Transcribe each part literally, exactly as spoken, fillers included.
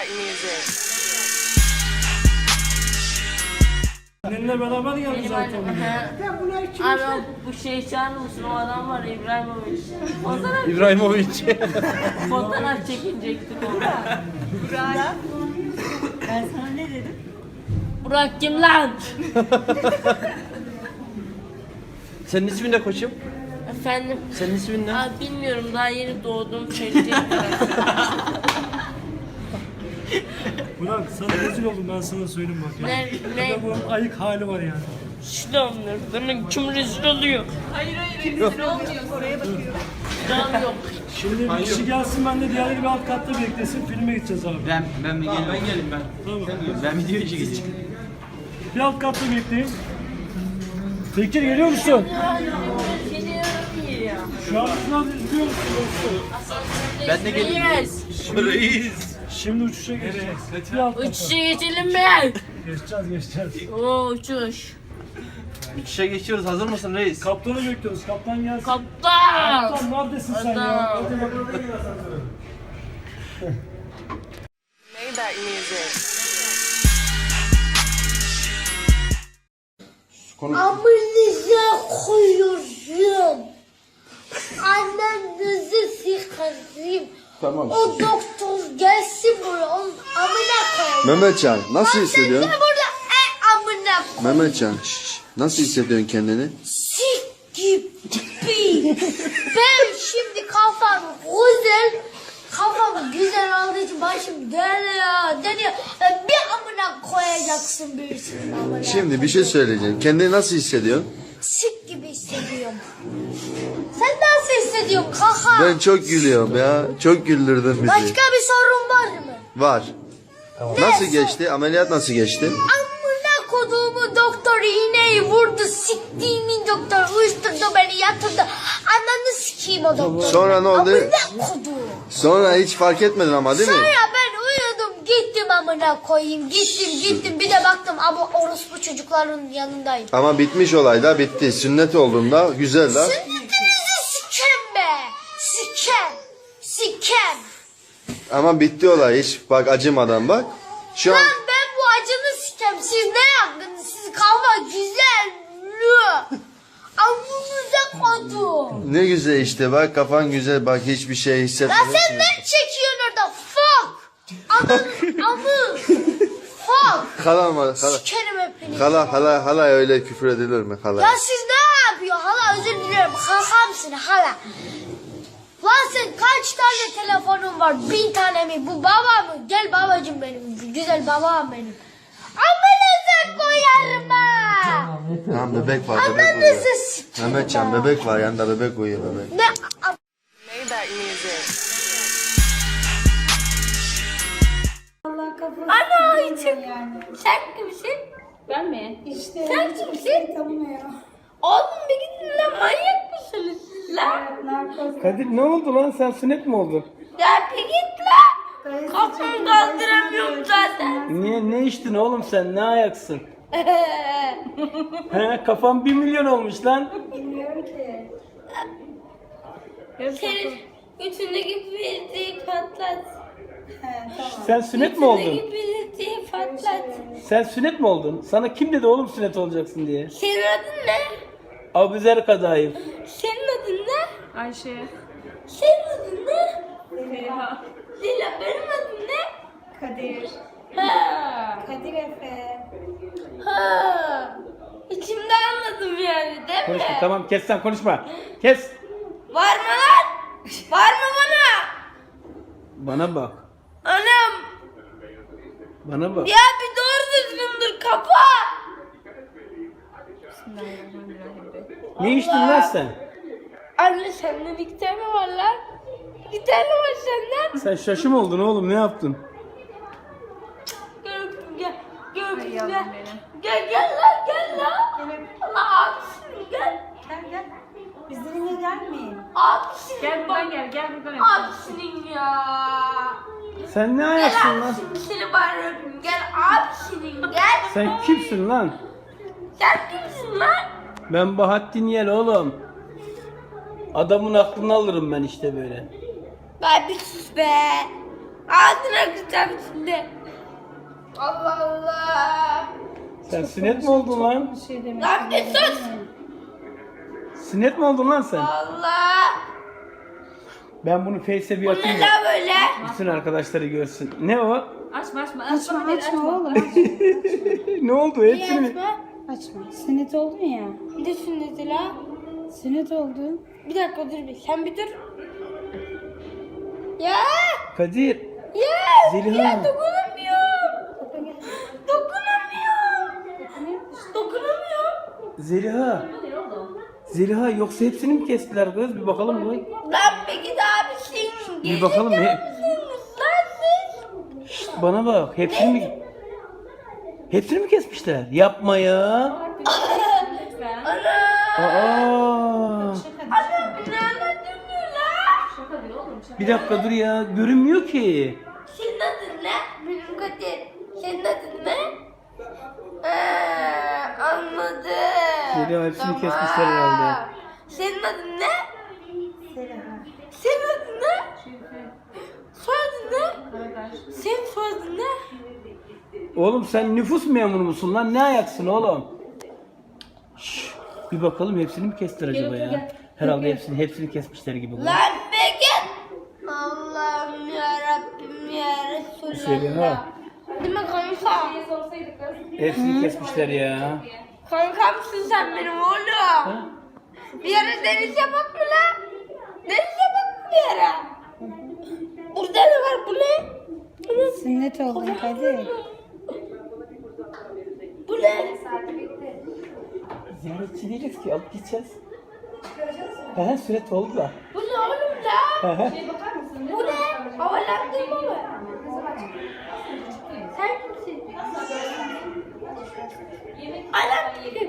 Seninle beraber geldi zaten. Abi bu şey çağırır mısın? O adam var İbrahimovic. Fotoğraf, İbrahimovic. fotoğraf çekinecektik orada. Burak. Ben sana ne dedim? Burak kim lan? Senin ismin ne koçum? Efendim? Senin ismin ne? Abi bilmiyorum, daha yeni doğdum, söyleyecek. Burak sana rezil oldum, ben sana söyleyeyim bak ya. Ne? Ne? Adamın ayık hali var yani. Şulamlar, bana kim rezil oluyor? Hayır hayır rezil olmuyor. Oraya bakıyorum. Can yok. Şimdi bir kişi gelsin, ben de diğerleri bir alt katta beklesin, filme gideceğiz abi. Ben ben mi geleyim? Ben geleyim ben. Tamam. Ben video işe geçeyim. Bir alt katta bekleyin. Bekir geliyor musun? Geliyorum iyi ya. Şu an biraz izliyor musun dostum? Ben de geleyim. Yes. Reis. Şimdi uçuşa geçeceğiz. Bir alt katta. Uçuşa geçelim mi? Geçeceğiz geçeceğiz. Oo uçuş. İşe geçiyoruz. Hazır mısın reis? Kaptanı bekliyoruz, kaptan gelsin. Kaptan. Kaptan neredesin sen ya? Adam. Hadi bakalım. Maybach music. Amınıza koyuyorum. Annenizi sıkarım. Tamam. O doktor gelsin buraya. Onun amına koyayım. Mehmetcan nasıl hissediyorsun? Sen burada e amına koyayım. Mehmetcan şşş, nasıl hissediyorsun kendini? Sik gibi. Ben şimdi kafam güzel. Kafam güzel olduğu için başım dönüyor. Dönüyor. Ben bir amına koyacaksın birisinin amına. Şimdi bir şey söyleyeceğim. Kendini nasıl hissediyorsun? Sik gibi hissediyorum. Sen nasıl hissediyorsun kaka? Ben çok gülüyorum ya. Çok güldürdün bizi. Başka bir sorun var mı? Var. Nasıl geçti? Ameliyat nasıl geçti? Amına koduğumu doktor iğneyi vurdu. Siktiğimin doktor uyuşturdu beni yatırdı. Ananı sikeyim o doktor. Sonra ne oldu? Amına koduğum. Sonra hiç fark etmedin ama değil mi? Sonra ben uyudum gittim amına koyayım. Gittim gittim bir de baktım ama orospu çocukların yanındayım. Ama bitmiş olay da bitti. Sünnet olduğunda güzel da. Sünnetinizi sikem be. Sikem. Sikem. Ama bitti olay hiç. Bak acımadan bak. Şu an Lan ben bu acını sikem. Siz ne yaptınız? Siz kafa güzel. Lü. Amınıza kodum. ne güzel işte bak kafan güzel bak hiçbir şey Lan hissetmedin. sen ne çekiyorsun orada? Fuck. Ananın amı. Fuck. Hala mı? Hala. Sikerim hepinizi. Hala hala hala öyle küfür edilir mi hala? Ya siz ne yapıyor? Hala özür diliyorum. Hakamsın hala. Lan sen kaç tane telefonun var? Bin tane mi? Bu baba mı? Gel babacım benim. Güzel babam benim. Amınıza koyarım ha. Tamam bebek var bebek uyuyor. Ananızı sikerim. Mehmetcan bebek var yanında bebek uyuyor bebek. Ne? Maybach music. Allah kafası. Ana içim. Yani. Sen kimsin? Ben mi? İşte. Sen kimsin? Tanımıyor. Oğlum bir gidin lan, manyak mısınız siz lan? Narkoz. Kadir ne oldu lan, sen sünnet mi oldun? Ya bir git lan. Kafamı kaldıramıyorum zaten. Niye, ne içtin oğlum sen, ne ayaksın? He, kafam bir milyon olmuş lan. Bilmiyorum ki. Senin götündeki bildiği patlat. He tamam. Sen sünnet mi oldun? Götündeki bildiği patlat. Sen sünnet mi oldun? Sana kim dedi oğlum sünnet olacaksın diye? Senin adın ne? Abuzer Kadayıf. Senin adın ne? Ayşe. Senin adın ne? Feriha. Lila, benim adım ne? Kadir. Ha. Kadir Efe. Ha. İçimde anladım yani değil mi? Konuşma, tamam kes sen konuşma. Kes. Var mı lan? Var mı bana? Bana bak. Anam. Bana bak. Ya bir doğru düzgün dur, kapa. Ne içtin lan sen? Anne senden iki tane var lan. İki tane var senden. Sen şaşı mı oldun oğlum, ne yaptın? Gel öpeyim, gel. Gel öpeyim, yavrum gel. benim. Gel gel lan, gel lan. Gel öp. Allah abisin, gel. Gel gel. Bizimle gelmeyin. Abisin. Gel buradan gel, gel buradan öp. Abisinin ya. Sen ne Gel ayaksın lan? abisinin, seni bari öpeyim. Gel abisinin, gel. Sen kimsin lan? Sen kimsin lan? Ben Bahattin Yel oğlum. Adamın aklını alırım ben işte böyle. Ben bir sus be. Ağzına kıracağım şimdi. Allah Allah. Sen sünnet mi oldun lan? Lan bir sus. Sünnet mi oldun lan sen? Allah. Ben bunu Face'e bir Bu atayım ne da lan böyle? bütün arkadaşları görsün. Ne o? Açma açma. Açma açma oğlum. Ne oldu? Hepsini mi? Açma. Sünnet oldun ya. Bir de sünneti la. Sünnet oldun. Bir dakika dur bir. Sen bir dur. Ya. Kadir. Ya. Zeliha. Ya dokunamıyorum. Dokunamıyorum. Dokunamıyorum. Zeliha. Zeliha yoksa hepsini mi kestiler kız? Bir bakalım mı? Lan peki de abisin. Bir bakalım ne? Lan siz. Bana bak. Hepsini mi? Hepsini mi kesmişler? Yapma ya. Ana. Aa. Ana beni anlatmıyor lan. Bir dakika dur ya. Görünmüyor ki. Senin adın ne? Benim Kadir. Senin adın ne? Ee, anladım. Zeliha hepsini kesmişler herhalde. Senin adın ne? Senin adın ne? Soyadın ne? Senin soyadın ne? Oğlum sen nüfus memuru musun lan? Ne ayaksın oğlum? Şşş. Bir bakalım hepsini mi kestiler acaba ya? Herhalde hepsini hepsini kesmişler gibi. bu. Lan be git. Allah'ım ya Rabbim ya Resulallah. Zeliha. Değil mi kanka? Hepsini kesmişler ya. Kankamsın sen benim oğlum. Bir yere deniz yapak mı lan? Deniz yapak mı bir yere? Burada ne var bu ne? Bu ne? Sünnet oldun Kadir. Bu ne? Ziyaretçi değiliz ki alıp gideceğiz. He süret oldu da. Bu ne oğlum la? He. Bu ne? Havalandırma mı? Sen kimsin? Anam kim?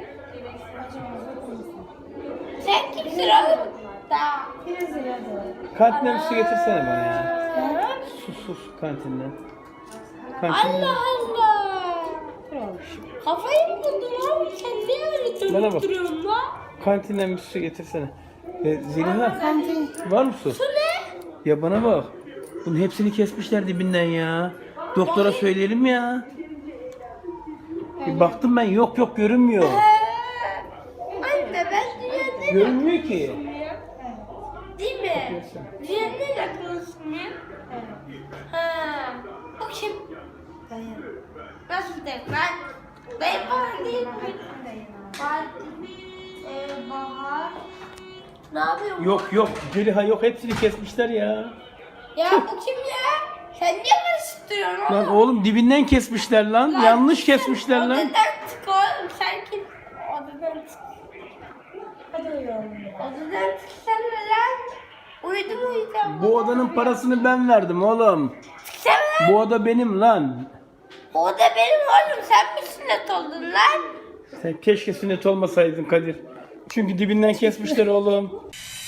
Sen kimsin oğlum? Da. Kantinden bir su getirsene bana ya. Sus sus kantinden. Kantinden. Allah Allah. Kafayı mı buldun oğlum? Sen niye öyle Bana dönüp bak. duruyorsun lan? Kantinden bir su getirsene. E, Zeliha var mı su? Bu ne? Ya bana bak. Bunun hepsini kesmişler dibinden ya. Doktora söyleyelim ya. Bir baktım ben yok yok görünmüyor. Anne ben dünyanın Görünmüyor ki. değil mi? Dünyanın en akıllısın ya. Ha. Bu kim? Nasıl de ben? Dayı falan değil mi? Fatih, e, Bahar. Ne yapıyor bu? Yok yok Zeliha yok hepsini kesmişler ya. Ya bu kim ya? Sen niye karıştırıyorsun Lan oğlum? oğlum dibinden kesmişler lan. Yanlış sen kesmişler lan. Odadan çık oğlum sen kim? Odadan çık. Hadi uyuyalım. Odadan çıksana lan. Uyudum uyuyacağım. Bu odanın parasını ben verdim oğlum. Çıksana lan. Bu oda benim lan. O da benim oğlum. Sen mi sünnet oldun lan? Sen keşke sünnet olmasaydın Kadir. Çünkü dibinden kesmişler oğlum.